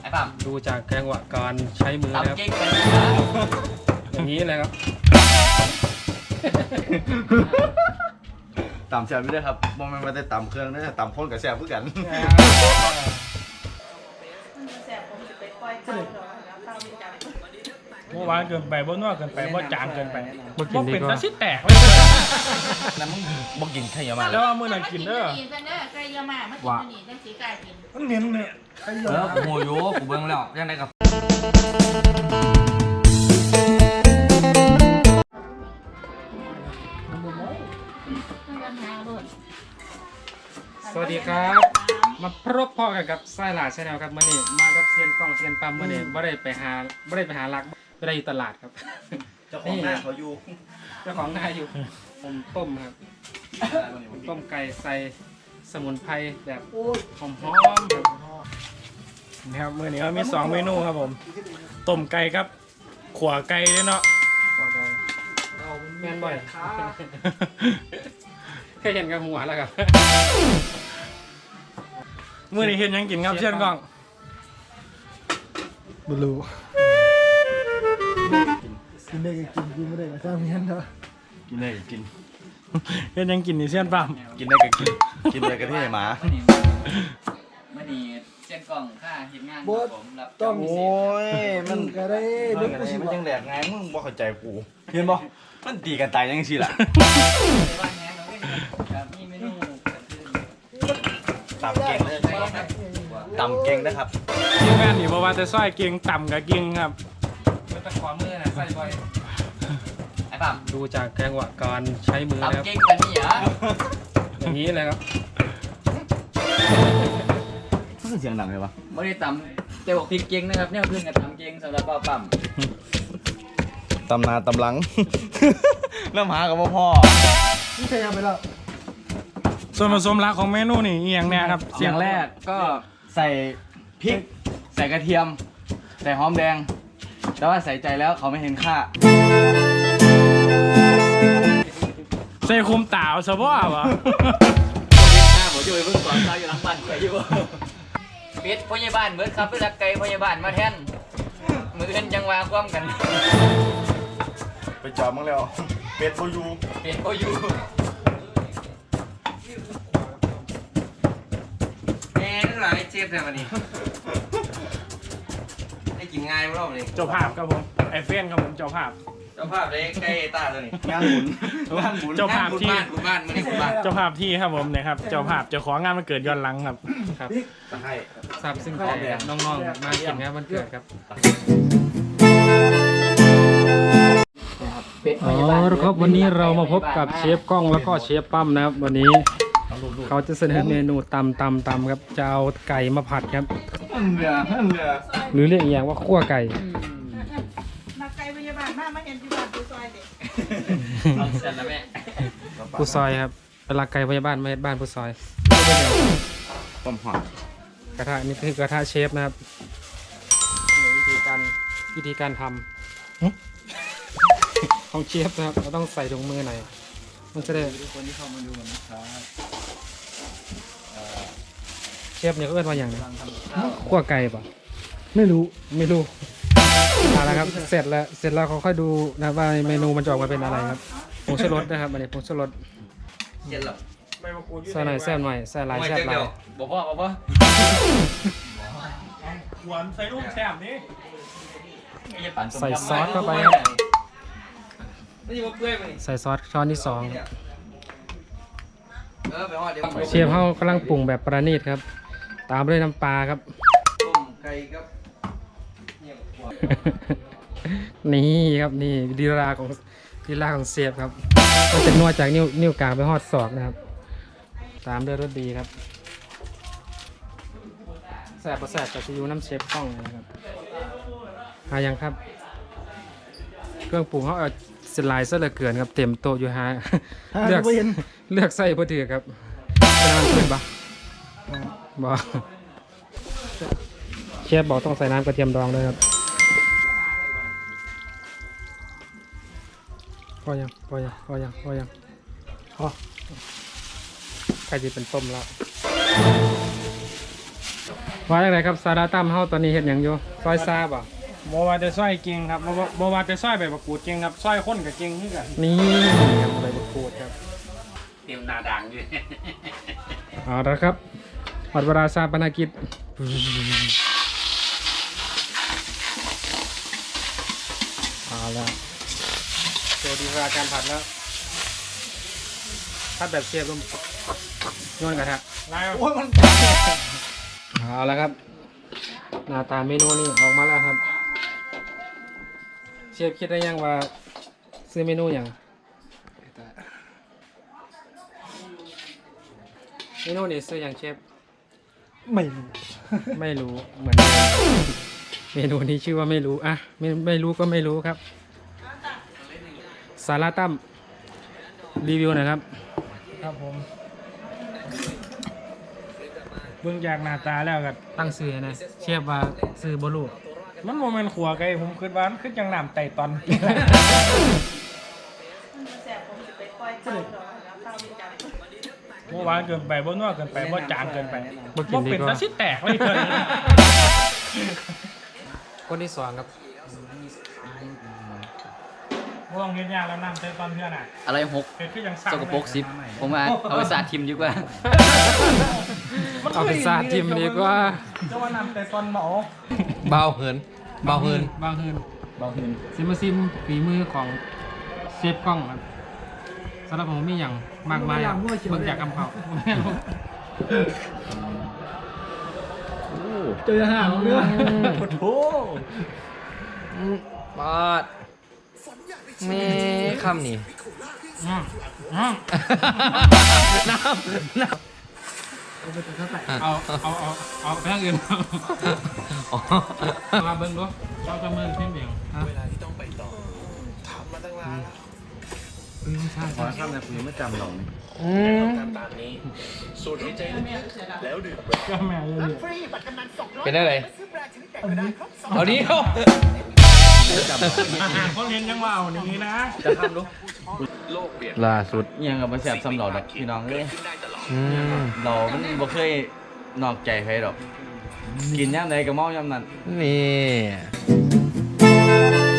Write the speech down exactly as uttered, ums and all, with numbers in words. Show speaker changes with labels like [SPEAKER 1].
[SPEAKER 1] อ้ปั๊ม
[SPEAKER 2] ดูจากจังหวะการใช้มือนะครับอย่างนี้เลยครับ
[SPEAKER 3] ต่ำแซ่บไม่ได้ครับมองมันมาแต่ต่ำเครื่องนะต่ำพ่นกับแซ่บเพื่อกัน
[SPEAKER 4] เมื่อวานเกินไปบ่นัวเกินไปบ่จางเกินไปบ่
[SPEAKER 2] กินดี
[SPEAKER 4] เป็น
[SPEAKER 2] กว่า
[SPEAKER 4] ตะซิแตก
[SPEAKER 3] แล้วมึงบอกกินไข่ยามา
[SPEAKER 4] แล้วว่ามื้อนั้นกินเด้อ
[SPEAKER 5] ไก่ยามามากินนี่จังสีกายกิน
[SPEAKER 4] มันเหม็นเนี่ยไอ้
[SPEAKER 1] เออกูโมโยกูเบิ่งแล้วยังไงกับ
[SPEAKER 2] สวัสดีครับมาพบพ่อกันกับไส้หลาชาแนลครับมื่อนี้มากับเซียนกล้องเซียนปั๊มมื่อนี้ไม่ได้ไปหาไม่ได้ไปหาลักไม่ได้อยู่ตลาดครับ
[SPEAKER 3] เจ้าของหน้าเขาอยู่
[SPEAKER 2] เจ้าของหน้าอยู่ผมต้มครับต้มไก่ใส่สมุนไพรแบบหอมๆครับ
[SPEAKER 4] นะครับมื้อนี้เขามีสองเมนูครับผมต้มไก่ครับขั่วไก่ด้วยเนาะ
[SPEAKER 2] บอกเลยแม่นบ่อยแค่เห็นกับหัวแล้วครับ
[SPEAKER 4] มื้อนี้เฮ็ดหยังกินครับเชิญกล้องบ่รู้
[SPEAKER 6] กินได้ก็กินกินไม่ได้ก็สร้างเมียนเนาะ
[SPEAKER 3] กินได้ก็กิน
[SPEAKER 4] เฮ็ดหยังกินนี่เชิญปั๊ม
[SPEAKER 3] กินได้ก็กินกินได้ก็ที่หมา
[SPEAKER 1] มื่อนี้เส้นกล่องค่าเห็นงานผมรับ
[SPEAKER 6] ต้อง
[SPEAKER 3] โอ้ยมั
[SPEAKER 6] มัน นก็ได้
[SPEAKER 3] มั
[SPEAKER 6] เด็
[SPEAKER 3] น
[SPEAKER 6] กกูสิ
[SPEAKER 3] มัน
[SPEAKER 6] บ
[SPEAKER 3] ยังแหลกไงมึงบ่เข้าใจกูเห็นบ่มันตีกันตายยังสิล่ะ
[SPEAKER 1] บ้านแห้งเราไม่มีครับมีเมนู
[SPEAKER 3] ต่ำเก่งเลยต่ำเก่งนะครับ
[SPEAKER 4] ทีมงานนี่บ่ว่าแต่ซอยเก่งต่ำก็เก่งครับ
[SPEAKER 2] เป็นตะขอมือนะใส่บ่อย
[SPEAKER 1] ไอ้ปั๊ม
[SPEAKER 2] ดูจากจังหวะการใช้มือนะครับ
[SPEAKER 1] ทำเก่งกันนี่เหรอ
[SPEAKER 2] อย่างนี้เลยครับ
[SPEAKER 3] มันเสียงดังเลยวะ
[SPEAKER 1] ไม่ได้ตำแต่บอกพริกเก่งนะครับเนี่ยเพื่อนกับตำเก่งสำหรับเป้าปั๊ม
[SPEAKER 3] ตำนาตำหลัง น้ำหากับพ่อ
[SPEAKER 6] นี่ใครเอาไปแล้ว
[SPEAKER 4] ส่วนผสมหลักของเมนูนี่อีหยังแน่ครับ
[SPEAKER 1] เสียงแรกก็
[SPEAKER 3] ใส่พริก ใส่กระเทียม ใส่หอมแดง แต่ว่าใส่ใจแล้วเขาไม่เห็นค่า
[SPEAKER 4] ใส่คุมตาวซะบ่วะ
[SPEAKER 1] หน้าผมจะไปเพิ่งก่อนตายอยู่หลังบ้านไปอยู่ปิดพยาบาลเบิดครับเพื่อรักไก่พยาบาลมาแทนมือเอ็นจังหวะความกัน
[SPEAKER 3] ไปจอบมึงแล้ว เป็ดโบยู
[SPEAKER 1] เป็นโอยูแม่นั่นหลายเจ็บเลยวันนี้ได้กินง่ายมั้งรอบนี้
[SPEAKER 4] เจ้าภาพครับผมไอเฟนครับผมเจ้าภาพ
[SPEAKER 1] เจ้าภาพเลยใกล้ตาตัวนี้
[SPEAKER 3] งานหมุนงานหมุน
[SPEAKER 4] เจ้าภาพที่
[SPEAKER 1] บ้านคุณบ้านมื่อนี้คุณบ้าน
[SPEAKER 4] เจ้าภาพที่ครับผมเนี่ยครับเจ้าภาพเจ้าของงานมันเกิดย้อนหลังครับ
[SPEAKER 2] ครับ
[SPEAKER 3] ตะไคร้
[SPEAKER 2] ทราบซึ่งใจน้องๆมากินงานวันเกิดครับ อ๋อครับวันนี้เรามาพบกับเชฟกล้องแล้วก็เชฟปั้มนะครับวันนี้เขาจะเสนอเมนูตำตำตำครับจะเอาไก่มาผัดครับ
[SPEAKER 3] เหลือเหลือ
[SPEAKER 2] หรือเรียกอีกอย่างว่าคั่วไก่
[SPEAKER 5] นักไก่พยาบาลมามาเห็นที่บ้านดูซอยเด็ก
[SPEAKER 1] เอาเสร็จแล้วแม่
[SPEAKER 2] ผู้ซอยครับเวลาไก่พยาบาลมาเฮ็ดบ้านผู้ซอย
[SPEAKER 3] ต้มหอม
[SPEAKER 2] กระทะนี่คือกระทะเชฟนะครับวิธีการวิธีการทำของเชฟนะครับเราต้องใส่ถุงมือหน่อยมันจะได้
[SPEAKER 3] คนที่เข้ามาดูนะครับ
[SPEAKER 2] เชฟเนี่ยเขาเรียกว่าอย่างไรคั่วไก่ป่ะ
[SPEAKER 6] ไม่รู้
[SPEAKER 2] ไม่รู้เอาละครับเสร็จแล้วเสร็จแล้วเขาค่อยดูนะว่าเมนูมันจะออกมาเป็นอะไรครับผงชูรสนะครับอันนี้ผงชูรส
[SPEAKER 1] เย็นหรอ
[SPEAKER 2] ใส่หน่อยแซ่บหน่อยใส่หลายแซ่บหลาย
[SPEAKER 1] บอกพ่อบอกพ่อ
[SPEAKER 4] หวานใส่ลูกแซ่บนี่
[SPEAKER 2] ใส่ซอสเข้าไปครับ
[SPEAKER 1] ไม่ใช่ว่าเปื่อยมัน
[SPEAKER 2] ใส่ซอสช้อนที่สอง
[SPEAKER 1] เออไปห่อเดี๋ยว
[SPEAKER 2] เชฟเขากำลังปรุงแบบประณีตครับ ตามด้วยน้ำปลาครับ
[SPEAKER 1] ต้มไก่ครับเนี่ย
[SPEAKER 2] นี่ครับนี่ลีลาของลีลาของเชฟครับมันจะนวดจากนิ้วนิ้วกลางไปหอดศอกนะครับ ตามด้วยรสดีครับแสบประแสบกับซีอิ๊วน้ำเชฟกล้องนะครับหายังครับ เครื่องปรุงเขาเอาสไลด์ซะเหลือเกินครับเต็มโต๊ะอยู่ฮะ
[SPEAKER 6] หา
[SPEAKER 2] เลือก
[SPEAKER 6] ไม่เห็น
[SPEAKER 2] เลือกไส้พอดีครับจะน้ำขึ้นปะบอกเชฟบอกต้องใส่น้ำกระเทียมดองด้วยครับพอยังพอยังพอยังพอยังพอใกล้จะเป็นต้มแล้วว่าอย่างไรครับซาดาตั้มเฮาตอนนี้เฮ็ดหยังอยู่ซอยซาบ่
[SPEAKER 4] บ่ว่าจะซอยเก่งครับบ่ว่าบ่ว่าจะซอยใบมะกรูดเก่งครับซอยคนกับเก่งคือกัน
[SPEAKER 2] นี่ครับใบมะกรูดครับ
[SPEAKER 1] เตรียมหนาดังอยู่
[SPEAKER 2] เอาละครับหมดเวลาชาปนกิจเอาละโจดีเวลาการผัดแล้วผัดแบบเชฟลงโยนกระทะ
[SPEAKER 4] ลาย
[SPEAKER 6] โอ้ยมัน
[SPEAKER 2] เอาละครับหน้าตาเมนูนี้ออกมาแล้วครับเชฟคิดได้ยังว่าซื้อเมนูอย่างเมนูนี้ซื้ออย่างเชฟ
[SPEAKER 6] ไม่รู้
[SPEAKER 2] ไม่รู้เหมือนกันเมนูนี้ชื่อว่าไม่รู้อ่ะไม่ไม่รู้ก็ไม่รู้ครับสาราตั้มรีวิวหน่อยครับ
[SPEAKER 4] ครับผมเบิ่งจากหน้าตาแล้วก็
[SPEAKER 2] ตั้งซื้อนะเชฟว่าซื้อบลู
[SPEAKER 4] มันบ่แม่นขัวไก่ผมคิดว่ามันคือจังน้ำไต่ตอน
[SPEAKER 5] มันแสบผมจะไปปล่อยเต่าดอกแล้วเต่าไปจับ
[SPEAKER 4] บ่หวานเกินไปบ่นัวเกินไปบ่จางเกินไป
[SPEAKER 2] บ่กินดี
[SPEAKER 4] เป็น
[SPEAKER 2] กว่า
[SPEAKER 4] ตาสิแตกเลยเพิ่น
[SPEAKER 2] คนที่สองครับ
[SPEAKER 4] บ่ต้องเฮ็ดยากแล้วน้ำไต่ตอนเพื่อนน่ะ
[SPEAKER 1] อะไรหก
[SPEAKER 4] เฮ็ดคือจัง
[SPEAKER 1] สกปรกสิบผมว่าเอาไปสาดทิมดีกว่า
[SPEAKER 2] เอาเป็นซาทิมดีกว่า
[SPEAKER 4] เจ้าว่าน้ำไต่ตอนหมอ
[SPEAKER 7] เบาเหินเบาเหิน
[SPEAKER 2] บางฮืน
[SPEAKER 3] บางที
[SPEAKER 2] ซิมมาซิมฝีมือของเชฟกล้องครับสำหรับผมมีอย่างมากมายครับเบิ่งจากกำเพรา
[SPEAKER 6] เจอห่างของเนื้อ
[SPEAKER 3] โอ้
[SPEAKER 7] ปาดแม่คำนี่
[SPEAKER 2] อืมอืม
[SPEAKER 7] น้ำน้
[SPEAKER 2] เอาเอาเอาเอาไปทางอื่น
[SPEAKER 7] ำอ๋อ
[SPEAKER 2] มาเบิ่งดูเราจะเมืองเพี้ยนเบียงฮะ
[SPEAKER 3] ขอข้ามนะคุณยังไม่จำเราเนี่ย
[SPEAKER 7] อืม
[SPEAKER 4] ก็แม่เลย
[SPEAKER 7] เป็นอะไรเอานี้เอา
[SPEAKER 4] อาหารคนเห็นยังว่าเอานี้นะ
[SPEAKER 3] จะข้ามดู
[SPEAKER 7] ล่าสุด
[SPEAKER 3] ยังกับมาแสบซ้ำเราดอกพี่น้องเลย
[SPEAKER 7] อืม
[SPEAKER 3] เรามันบ่เคยนอกใจใครดอก กินย่ำใดก็เมาย่ำนั้น
[SPEAKER 7] นี่